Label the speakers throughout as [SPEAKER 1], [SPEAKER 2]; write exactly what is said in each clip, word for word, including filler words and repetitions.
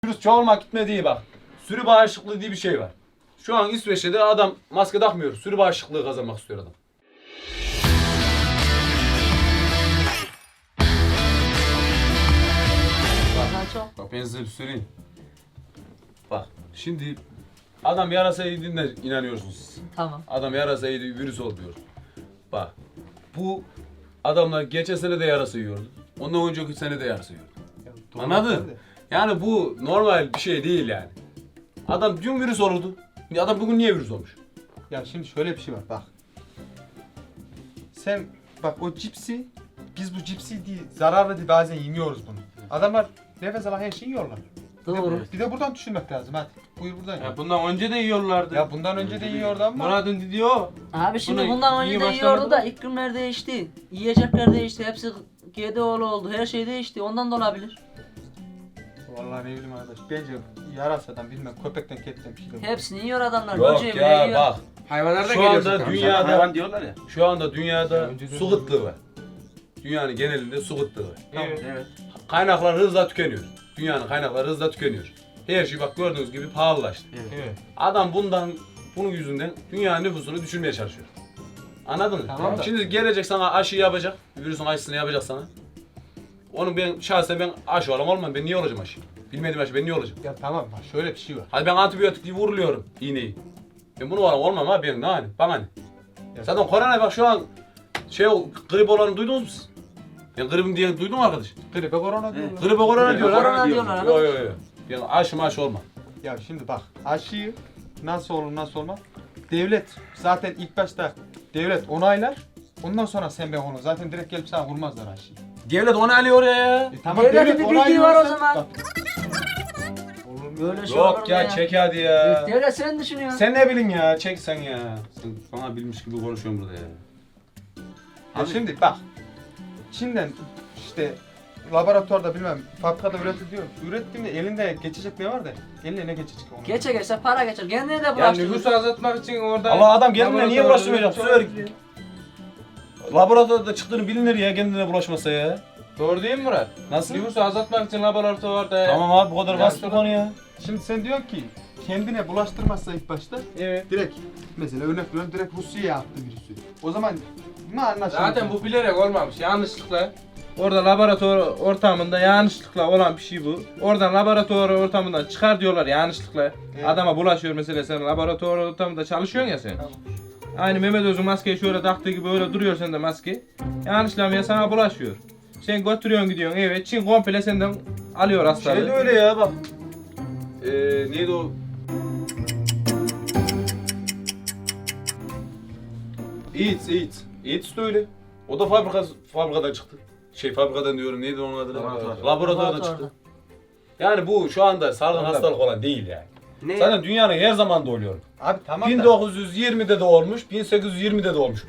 [SPEAKER 1] Virüs çoğalmak gitme değil bak. Sürü bağışıklığı diye bir şey var. Şu an İsveç'te de adam maske takmıyor. Sürü bağışıklığı kazanmak istiyor adam. Bak, bak ben size bir söyleyeyim. Bak şimdi adam yarasa yediğine inanıyorsunuz siz.
[SPEAKER 2] Tamam.
[SPEAKER 1] Adam yarasa yedi virüs oluyor. Bak bu adamlar geçen sene de yarasa yiyordu. Ondan önceki sene de yarasa yiyordu. Anladın? Yani bu normal bir şey değil yani. Adam dün virüs olurdu. Adam bugün niye virüs olmuş?
[SPEAKER 3] Ya şimdi şöyle bir şey var bak. Sen bak o cipsi, biz bu cipsi değil, zararlı diye bazen yemiyoruz bunu. Adamlar nefes alan her şeyi yiyorlar. Bir de,
[SPEAKER 2] Doğru.
[SPEAKER 3] bir de buradan düşünmek lazım hadi. Buyur buradan ya.
[SPEAKER 4] Ya bundan önce de yiyorlardı.
[SPEAKER 3] Ya bundan önce de yiyordu ama.
[SPEAKER 4] Murat'ın dediği o.
[SPEAKER 2] Abi şimdi
[SPEAKER 4] Bunu
[SPEAKER 2] bundan
[SPEAKER 4] iyi
[SPEAKER 2] önce de
[SPEAKER 4] başlamadı
[SPEAKER 2] yiyordu da
[SPEAKER 4] mı?
[SPEAKER 2] iklimler değişti. Yiyecekler değişti. Hepsi G D O'lu oldu. Her şey değişti. Ondan da olabilir.
[SPEAKER 3] Vallahi ne bileyim arkadaş. Bence yarasadan bilmem köpekten ketten bir şey de var.
[SPEAKER 2] Hepsini yiyor adamlar.
[SPEAKER 1] Yok
[SPEAKER 2] Böceği bile
[SPEAKER 1] ya
[SPEAKER 2] yiyor.
[SPEAKER 1] bak.
[SPEAKER 4] Hayvanlar da
[SPEAKER 1] Şu
[SPEAKER 4] geliyor
[SPEAKER 1] anda
[SPEAKER 4] zaten.
[SPEAKER 1] dünyada-
[SPEAKER 4] Hayvan diyorlar ya.
[SPEAKER 1] Şu anda dünyada
[SPEAKER 3] önce de-
[SPEAKER 1] su kıtlığı var. Dünyanın genelinde su kıtlığı var.
[SPEAKER 4] Evet. evet.
[SPEAKER 1] Kaynaklar hızla tükeniyor. Dünyanın kaynakları hızla tükeniyor. Her şey bak gördüğünüz gibi pahalılaştı.
[SPEAKER 3] Evet.
[SPEAKER 1] Adam bundan, bunun yüzünden dünyanın nüfusunu düşürmeye çalışıyor. Anladın mı?
[SPEAKER 3] Tamam da-
[SPEAKER 1] Şimdi gelecek sana aşı yapacak, virüsün aşısını yapacak sana. Onu ben şahsen ben aşı olam olmam, ben niye olacağım aşı? Bilmediğim aşı ben niye olacağım?
[SPEAKER 3] Ya tamam bak şöyle bir şey var.
[SPEAKER 1] Hadi ben antibiyotik diye vuruluyorum iğneyi. Ben bunu olam olmam abi ben ne hani, bana ne?
[SPEAKER 3] Ya
[SPEAKER 1] Zaten korona bak şu an şey o grip olanı duydunuz mu siz? Ben gripim diye duydun mu arkadaş?
[SPEAKER 3] Gribe korona diyorlar.
[SPEAKER 1] Gribe korona
[SPEAKER 2] Gribe
[SPEAKER 1] diyorlar.
[SPEAKER 2] korona diyorlar
[SPEAKER 1] Yok yok yok. Ben aşı maşı olmam.
[SPEAKER 3] Ya şimdi bak aşıyı nasıl olur nasıl olmaz. Devlet zaten ilk başta devlet onaylar. Ondan sonra sen ben onu zaten direkt gelip sana vurmazlar aşıyı.
[SPEAKER 1] Devlet onaylıyor ya.
[SPEAKER 3] E tamam
[SPEAKER 2] Devletin
[SPEAKER 3] devlet
[SPEAKER 2] bir bildiği var o
[SPEAKER 3] onaylıyorsa-
[SPEAKER 2] zaman.
[SPEAKER 3] Bak. Olur mu?
[SPEAKER 2] Böyle şey olur
[SPEAKER 1] Yok
[SPEAKER 2] mu
[SPEAKER 1] ya çek hadi ya.
[SPEAKER 2] Devlet sen düşünüyorsun.
[SPEAKER 1] Sen ne bilin ya çek sen ya. Sen bana bilmiş gibi konuşuyorsun burada ya.
[SPEAKER 3] Ya şimdi bak. Çin'den işte laboratuvarda bilmem fabrikada üretiliyor. Ürettiğinde elinde geçecek ne var da eline ne geçecek onu.
[SPEAKER 2] Geçe geçse para geçer. Kendine de
[SPEAKER 4] Yani
[SPEAKER 2] bulaştırır.
[SPEAKER 4] nüfusu azaltmak için orada...
[SPEAKER 1] Allah adam kendine niye
[SPEAKER 4] laboratuvarda
[SPEAKER 1] bulaştırmayacak? Bu sefer laboratuvarda çıktığını bilinir ya kendine bulaşmasa ya.
[SPEAKER 4] Doğru değil mi Murat?
[SPEAKER 1] Nasıl?
[SPEAKER 4] Nüfusu azaltmak için laboratuvarda...
[SPEAKER 1] Tamam abi bu kadar
[SPEAKER 4] Ya
[SPEAKER 1] basit bir
[SPEAKER 4] sonra-
[SPEAKER 1] konu ya.
[SPEAKER 3] Şimdi sen diyorsun ki kendine bulaştırmazsa ilk başta
[SPEAKER 4] Evet.
[SPEAKER 3] direkt mesela örnek veriyorum direkt Rusya'ya attı virüsü. O zaman ne anlaşılır?
[SPEAKER 4] Zaten bu bilerek olmamış. Yanlışlıkla. Orada laboratuvar ortamında yanlışlıkla olan bir şey bu. Oradan laboratuvar ortamından çıkar diyorlar yanlışlıkla.
[SPEAKER 3] Evet.
[SPEAKER 4] Adama bulaşıyor mesela sen laboratuvar ortamında çalışıyorsun ya sen.
[SPEAKER 3] Tamam.
[SPEAKER 4] Aynı Mehmet Öz'ün maskeyi şöyle taktığı gibi öyle duruyor sende maske. Yanlışlıkla ya sana bulaşıyor. Sen götürüyorsun gidiyorsun evet Çin komple senden alıyor hastalığı.
[SPEAKER 1] Şey de öyle ya bak. Ee, neydi o? AIDS, AIDS. AIDS de öyle. O da fabrika, fabrikadan çıktı. Şey fabrikadan diyorum neydi onun adı?
[SPEAKER 4] Laboratuvar.
[SPEAKER 1] Laboratuvardan
[SPEAKER 2] Laboratuvardan.
[SPEAKER 1] çıktı. Yani bu şu anda salgın
[SPEAKER 4] Ondan.
[SPEAKER 1] hastalık olan değil yani.
[SPEAKER 4] Ne?
[SPEAKER 1] Zaten dünyanın her zaman da oluyor.
[SPEAKER 3] Abi tamam da.
[SPEAKER 1] bin dokuz yüz yirmide de olmuş, bin sekiz yüz yirmide de olmuş.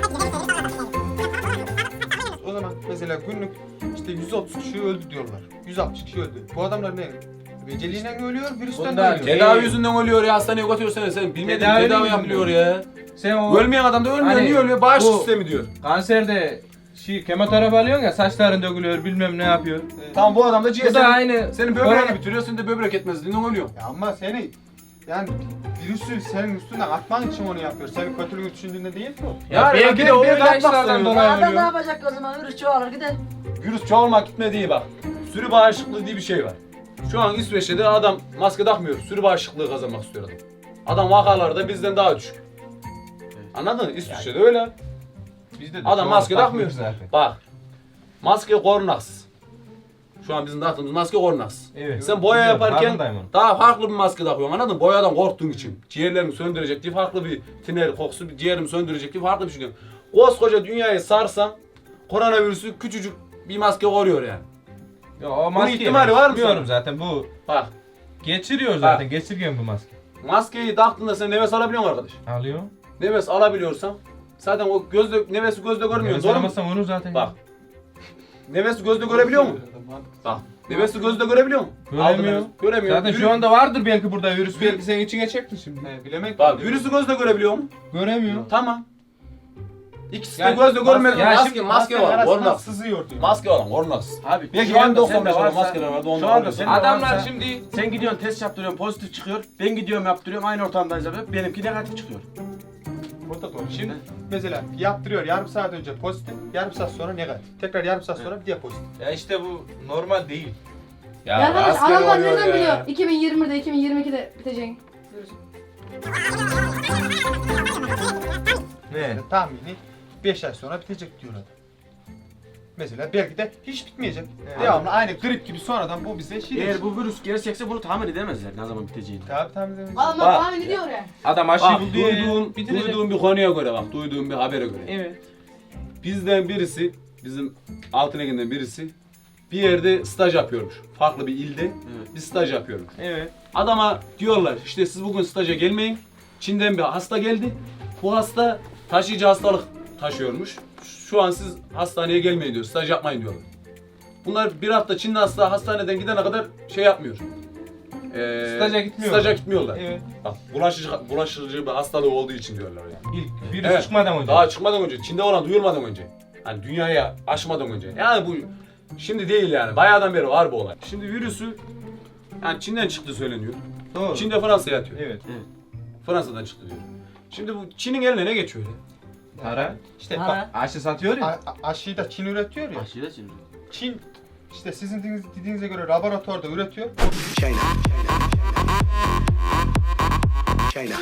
[SPEAKER 3] O zaman mesela günlük işte yüz otuz kişi öldü diyorlar. yüz altmış kişi öldü. Bu adamlar ne? Eceliyle mi ölüyor, virüsten
[SPEAKER 4] Bunlar-
[SPEAKER 3] mi ölüyor?
[SPEAKER 1] Tedavi
[SPEAKER 4] Ee,
[SPEAKER 1] yüzünden ölüyor ya hastaneye götürüyorsun sen bilmediğin
[SPEAKER 4] Tedavi
[SPEAKER 1] tedavi,
[SPEAKER 4] yüzünden
[SPEAKER 1] yapılıyor ya.
[SPEAKER 4] Sen o
[SPEAKER 1] Ölmeyen adam da ölmüyor,
[SPEAKER 4] Hani
[SPEAKER 1] niye ölüyor? Bağış
[SPEAKER 4] bu-
[SPEAKER 1] sistemi diyor.
[SPEAKER 4] kanserde şey kemoterapi alıyorsun ya saçların dökülüyor bilmem ne yapıyor.
[SPEAKER 1] Tamam bu adam da ciğer.
[SPEAKER 4] Bu da
[SPEAKER 1] senin-
[SPEAKER 4] aynı.
[SPEAKER 1] Senin böbreğini bitiriyor, sen de böbrek etmezliğinden ölüyor.
[SPEAKER 3] Ya ama seni yani virüsü senin üstüne atman için onu yapıyor. Senin kötülüğünü düşündüğünde değil ki o.
[SPEAKER 4] Ya
[SPEAKER 1] Yani
[SPEAKER 4] belki
[SPEAKER 1] bir-
[SPEAKER 4] de o
[SPEAKER 1] bir de atmak
[SPEAKER 4] ilaçlardan
[SPEAKER 1] istemiyor.
[SPEAKER 4] dolayı
[SPEAKER 2] Adam ne
[SPEAKER 4] ölüyor.
[SPEAKER 2] yapacak o zaman? Virüs çoğalır gider.
[SPEAKER 1] Virüs çoğalmak gitme değil bak. Sürü bağışıklığı diye bir şey var. Şu an İsveç'te de adam maske takmıyor. Sürü bağışıklığı kazanmak istiyor adam. Adam vakaları da bizden daha düşük. Anladın mı? İsveç'te de öyle.
[SPEAKER 4] Bizde de
[SPEAKER 1] Adam
[SPEAKER 4] şu
[SPEAKER 1] maske
[SPEAKER 4] an
[SPEAKER 1] takmıyor.
[SPEAKER 4] zaten.
[SPEAKER 1] Bak. Maske korunaksız. Şu an bizim taktığımız maske korunaksız.
[SPEAKER 4] Evet.
[SPEAKER 1] Sen boya
[SPEAKER 4] Biliyorum,
[SPEAKER 1] yaparken
[SPEAKER 4] farkındayım onun.
[SPEAKER 1] daha farklı bir maske takıyorsun anladın mı? Boyadan korktuğun için. Ciğerlerimi söndürecek diye farklı bir tiner kokusu, bir ciğerimi söndürecek diye farklı bir şey diyorsun. Koskoca dünyayı sarsan koronavirüsü küçücük bir maske koruyor yani.
[SPEAKER 4] Ya o maske
[SPEAKER 1] ihtimali var mı
[SPEAKER 4] Bilmiyorum
[SPEAKER 1] sana?
[SPEAKER 4] zaten bu
[SPEAKER 1] Bak
[SPEAKER 4] geçiriyor zaten. Geçirgen bu maske.
[SPEAKER 1] maskeyi taktığında sen nefes alabiliyor musun arkadaş?
[SPEAKER 4] Alıyor.
[SPEAKER 1] Nefes alabiliyorsan zaten o gözle nefesi gözle görmüyor.
[SPEAKER 4] Nefes
[SPEAKER 1] Doğru mu?
[SPEAKER 4] alamazsan onu zaten.
[SPEAKER 1] Bak. Nefesi gözle görebiliyor mu? Bak. Nefesi gözle görebiliyor mu?
[SPEAKER 4] Göremiyor.
[SPEAKER 1] Aldın nefes- Göremiyor.
[SPEAKER 4] Zaten
[SPEAKER 1] Virüs-
[SPEAKER 4] şu anda vardır belki burada virüs. Belki senin içine çekti şimdi.
[SPEAKER 3] He, bilemek
[SPEAKER 1] Bak virüsü gözle görebiliyor mu?
[SPEAKER 4] Göremiyor.
[SPEAKER 1] Tamam. İkisi de
[SPEAKER 4] Yani
[SPEAKER 1] gözle görmeden
[SPEAKER 4] ya
[SPEAKER 1] maske,
[SPEAKER 4] şimdi
[SPEAKER 1] maske var.
[SPEAKER 3] arasından
[SPEAKER 1] Korunaksız.
[SPEAKER 3] sızıyor diyor.
[SPEAKER 1] Maske olan korunaksız.
[SPEAKER 5] Abi
[SPEAKER 1] Belki
[SPEAKER 5] şu anda
[SPEAKER 1] en doksan
[SPEAKER 5] sende
[SPEAKER 1] beş olan
[SPEAKER 5] varsa-
[SPEAKER 1] maskeler vardı
[SPEAKER 5] Şu
[SPEAKER 1] ondan
[SPEAKER 5] anda
[SPEAKER 1] alıyorsun.
[SPEAKER 5] sende
[SPEAKER 4] Adamlar
[SPEAKER 5] varsa-
[SPEAKER 4] şimdi
[SPEAKER 5] Sen gidiyorsun test yaptırıyorsun pozitif çıkıyor. Ben gidiyorum yaptırıyorum aynı ortamdayız abi. Benimki negatif çıkıyor.
[SPEAKER 3] O da doğru. Şimdi mesela yaptırıyor yarım saat önce pozitif, yarım saat sonra negatif. Tekrar yarım saat sonra bir diye pozitif.
[SPEAKER 4] ya işte bu normal değil.
[SPEAKER 1] Ya,
[SPEAKER 6] Ya arkadaş
[SPEAKER 1] maske
[SPEAKER 6] adamlar
[SPEAKER 1] oluyor
[SPEAKER 6] nereden
[SPEAKER 1] ya.
[SPEAKER 6] biliyor? iki bin yirmide, iki bin yirmi ikide biteceğini.
[SPEAKER 4] Ne?
[SPEAKER 3] Yani tahmini beş ay sonra bitecek diyor adam. Mesela belki de hiç bitmeyecek.
[SPEAKER 4] Evet.
[SPEAKER 3] Devamlı aynı grip gibi sonradan bu bize şey
[SPEAKER 5] Eğer bu virüs gerçekse bunu tahmin edemezler ne zaman biteceğini.
[SPEAKER 3] Tabii tahmin edemeyeceğiz.
[SPEAKER 6] Adamlar
[SPEAKER 1] Bak.
[SPEAKER 6] tahmin ediyor ya.
[SPEAKER 4] Adam aşıyı
[SPEAKER 1] Bak
[SPEAKER 4] buldu ya.
[SPEAKER 1] duyduğum,
[SPEAKER 4] Bitirecek.
[SPEAKER 1] duyduğum bir konuya göre bak duyduğum bir habere göre.
[SPEAKER 4] Evet.
[SPEAKER 1] Bizden birisi bizim Altınegin'den birisi bir yerde staj yapıyormuş. Farklı bir ilde
[SPEAKER 5] Evet.
[SPEAKER 1] bir staj yapıyormuş.
[SPEAKER 4] Evet.
[SPEAKER 1] Adama diyorlar işte siz bugün staja gelmeyin. Çin'den bir hasta geldi. Bu hasta taşıyıcı hastalık taşıyormuş. Şu an siz hastaneye gelmeyin diyor. Staj yapmayın diyorlar. Bunlar bir hafta Çinli hasta hastaneden gidene kadar şey yapmıyor. Ee,
[SPEAKER 4] Staja gitmiyorlar.
[SPEAKER 1] Staja gitmiyorlar.
[SPEAKER 4] Evet.
[SPEAKER 1] Bak bulaşıcı, bulaşıcı bir hastalığı olduğu için diyorlar yani.
[SPEAKER 4] İlk virüs
[SPEAKER 1] Evet.
[SPEAKER 4] çıkmadan önce.
[SPEAKER 1] Daha çıkmadan önce, Çin'de olan duyulmadan önce. Hani dünyaya aşmadan önce. Yani bu şimdi değil yani. Bayağıdan beri var bu olay. Şimdi virüsü yani Çin'den çıktı söyleniyor.
[SPEAKER 4] Doğru.
[SPEAKER 1] Çin'de Fransa'ya atıyor.
[SPEAKER 4] Evet.
[SPEAKER 1] Fransa'dan çıktı diyor. Şimdi bu Çin'in eline ne geçiyor ya?
[SPEAKER 4] Para.
[SPEAKER 3] İşte
[SPEAKER 2] Para.
[SPEAKER 3] bak
[SPEAKER 4] Aşı satıyor ya.
[SPEAKER 3] a- a- aşıyı da Çin üretiyor ya.
[SPEAKER 5] Aşıyla şimdi.
[SPEAKER 3] Çin işte sizin dediğiniz, dediğinize göre laboratuvarda üretiyor.
[SPEAKER 7] China. China.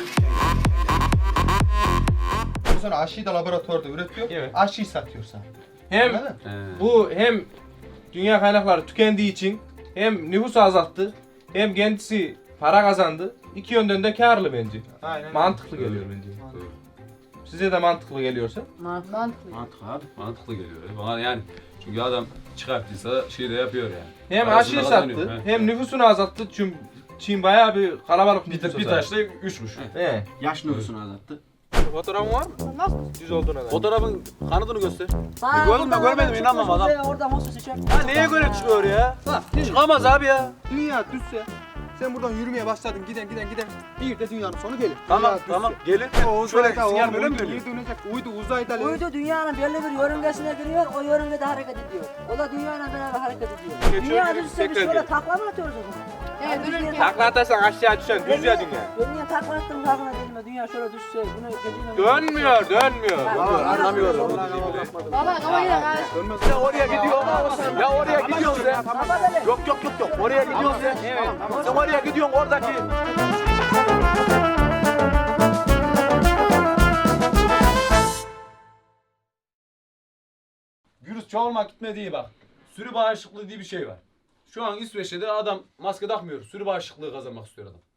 [SPEAKER 3] Sonra aşıyı da laboratuvarda üretiyor.
[SPEAKER 4] Evet.
[SPEAKER 3] Aşıyı satıyor sana.
[SPEAKER 4] Hem
[SPEAKER 3] Anladın mı?
[SPEAKER 1] He.
[SPEAKER 4] bu hem dünya kaynakları tükendiği için hem nüfusu azalttı hem kendisi para kazandı. İki yönden de karlı bence.
[SPEAKER 3] Aynen.
[SPEAKER 4] Mantıklı geliyor bence. Size de mantıklı geliyorsa.
[SPEAKER 6] Mantıklı.
[SPEAKER 5] Mantık abi.
[SPEAKER 1] Mantıklı geliyor. ya. Bana yani çünkü adam çıkarttıysa şey de yapıyor yani.
[SPEAKER 4] Hem
[SPEAKER 1] Parasını
[SPEAKER 4] aşıyı
[SPEAKER 1] kazanıyor,
[SPEAKER 4] sattı
[SPEAKER 1] he.
[SPEAKER 4] hem nüfusunu azalttı. Çünkü Çin bayağı bir kalabalık
[SPEAKER 1] Bir,
[SPEAKER 4] nüfusu
[SPEAKER 1] bir taşla üçmüş.
[SPEAKER 4] He.
[SPEAKER 5] Yaş nüfusunu azalttı.
[SPEAKER 4] Fotoğrafın var mı?
[SPEAKER 6] Nasıl?
[SPEAKER 4] Düz olduğuna dair.
[SPEAKER 1] Fotoğrafın kanıtını göster.
[SPEAKER 2] Bana
[SPEAKER 1] Gördüm ben,
[SPEAKER 2] oradan
[SPEAKER 1] görmedim,
[SPEAKER 2] oradan
[SPEAKER 1] inanmam
[SPEAKER 2] çıkmış
[SPEAKER 1] adam.
[SPEAKER 2] oraya, Oradan hosu çek.
[SPEAKER 1] Ya neye göre çıkıyor ya? Çıkamaz abi ya.
[SPEAKER 8] Dünya düşse, sen buradan yürümeye başladın, giden giden giden, bir de dünyanın sonu gelir.
[SPEAKER 1] Tamam
[SPEAKER 8] Dünya
[SPEAKER 1] tamam
[SPEAKER 8] düşse.
[SPEAKER 1] gelir.
[SPEAKER 8] O
[SPEAKER 1] Şöyle
[SPEAKER 8] uzayda,
[SPEAKER 1] sinyal
[SPEAKER 8] o
[SPEAKER 1] böyle mi
[SPEAKER 8] uydu
[SPEAKER 1] dönüyor?
[SPEAKER 8] geri dönecek, uydu uzayda.
[SPEAKER 2] Uydu dünyanın belli bir yörüngesine giriyor, o yörüngede hareket ediyor. O da dünyayla beraber hareket ediyor.
[SPEAKER 4] Geçiyor,
[SPEAKER 2] Dünya
[SPEAKER 4] geri
[SPEAKER 2] düşse biz
[SPEAKER 4] tekrar
[SPEAKER 2] şöyle
[SPEAKER 4] geliyor.
[SPEAKER 2] takla mı atıyoruz o zaman?
[SPEAKER 6] Evet,
[SPEAKER 2] Hadi biz
[SPEAKER 6] dönüp
[SPEAKER 2] bir-
[SPEAKER 4] Takla atarsan aşağı düşen düz ya dünya.
[SPEAKER 2] Ben niye takla attım farkına değilim ya. Dünya şöyle düşse, bunu geceyle...
[SPEAKER 4] Dönmüyor, dönmüyor.
[SPEAKER 1] Anlamıyorum.
[SPEAKER 6] Baba kafa gidelim kardeş.
[SPEAKER 1] Ya oraya gidiyor. Ya oraya gidiyorsun sen. Yok yok yok yok. Oraya gidiyorsun sen. Sen oraya gidiyorsun oradaki. Virüs çoğalmak gitmediği bak. Sürü bağışıklığı diye bir şey var. Şu an İsveç'te de adam maske takmıyor. Sürü bağışıklığı kazanmak istiyor adam.